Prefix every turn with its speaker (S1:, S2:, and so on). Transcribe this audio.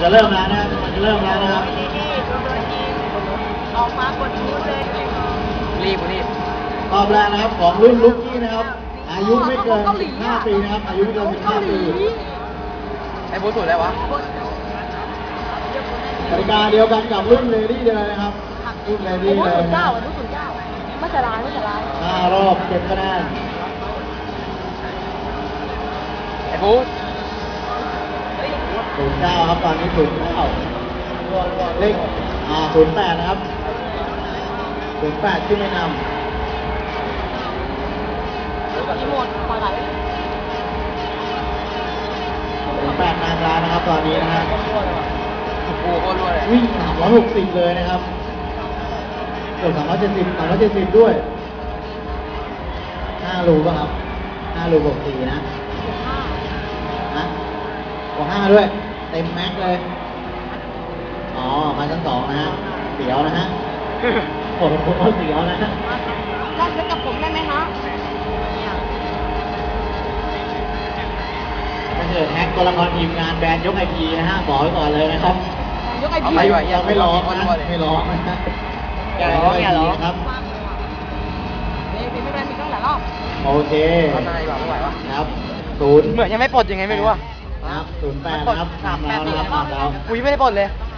S1: จะเริ่มแล้วนะมันจะเริ่มแล้วนะครับ
S2: ออกมากดชูเลย
S3: รีบ
S1: รอบแรกนะครับของรุ่นลุกกี้นะครับอายุไม่เกิน15 ปีนะครับอายุไม่เกิน15 ปี
S3: ไอ้บูสุดอะไรวะ
S1: กติกาเดียวกันกับรุ่นเลดี้เลยนะครับรุ่นเลดี้เลย
S2: รุ่น9รุ่น9ไม่จะร้าย
S1: 5 รอบเก็บคะแนน
S3: ไอ้บู
S1: 09ครับตอนนี้09เลข08นะครับ08ที่ไม่นำ
S2: รีโมทปล่อยไหล
S1: 08นางร้านนะครับตอนนี้นะฮะ
S3: โอ้โหโคตรรวยเลย
S1: วิ่ง360เลยนะครับเกือบ370ด้วย5 รูป่ะครับ5 รูบวก4นะบวก5ด้วยเต็มแม็กเลยอ๋อมาชั้น2นะฮะเสียวนะฮะผมเสียวนะฮะ
S2: ได้เซ็ตกับผมได้ไหมฮะ
S1: ถ้าเกิดแฮกตัวละครทีมงานแบนยกไอพีนะฮะบอกไว้ก่อนเลยนะครับ
S2: ยกไอพี
S1: เราไม่ร้องนะไม่ร้องนะ
S3: อย่าร้อง
S1: ครับ
S2: นี่เป็นไม่แบนมีตั้งหลายรอบ
S1: โอเค
S3: ทำนายแบบไม่ไหววะ
S1: ครับ
S3: เหมือนยังไม่ปลดยังไงไม่รู้อ่ะ
S1: ครับ08นะครับ
S3: 3 8
S1: นะครับ
S3: กูยังไม่ได้ปลดเลย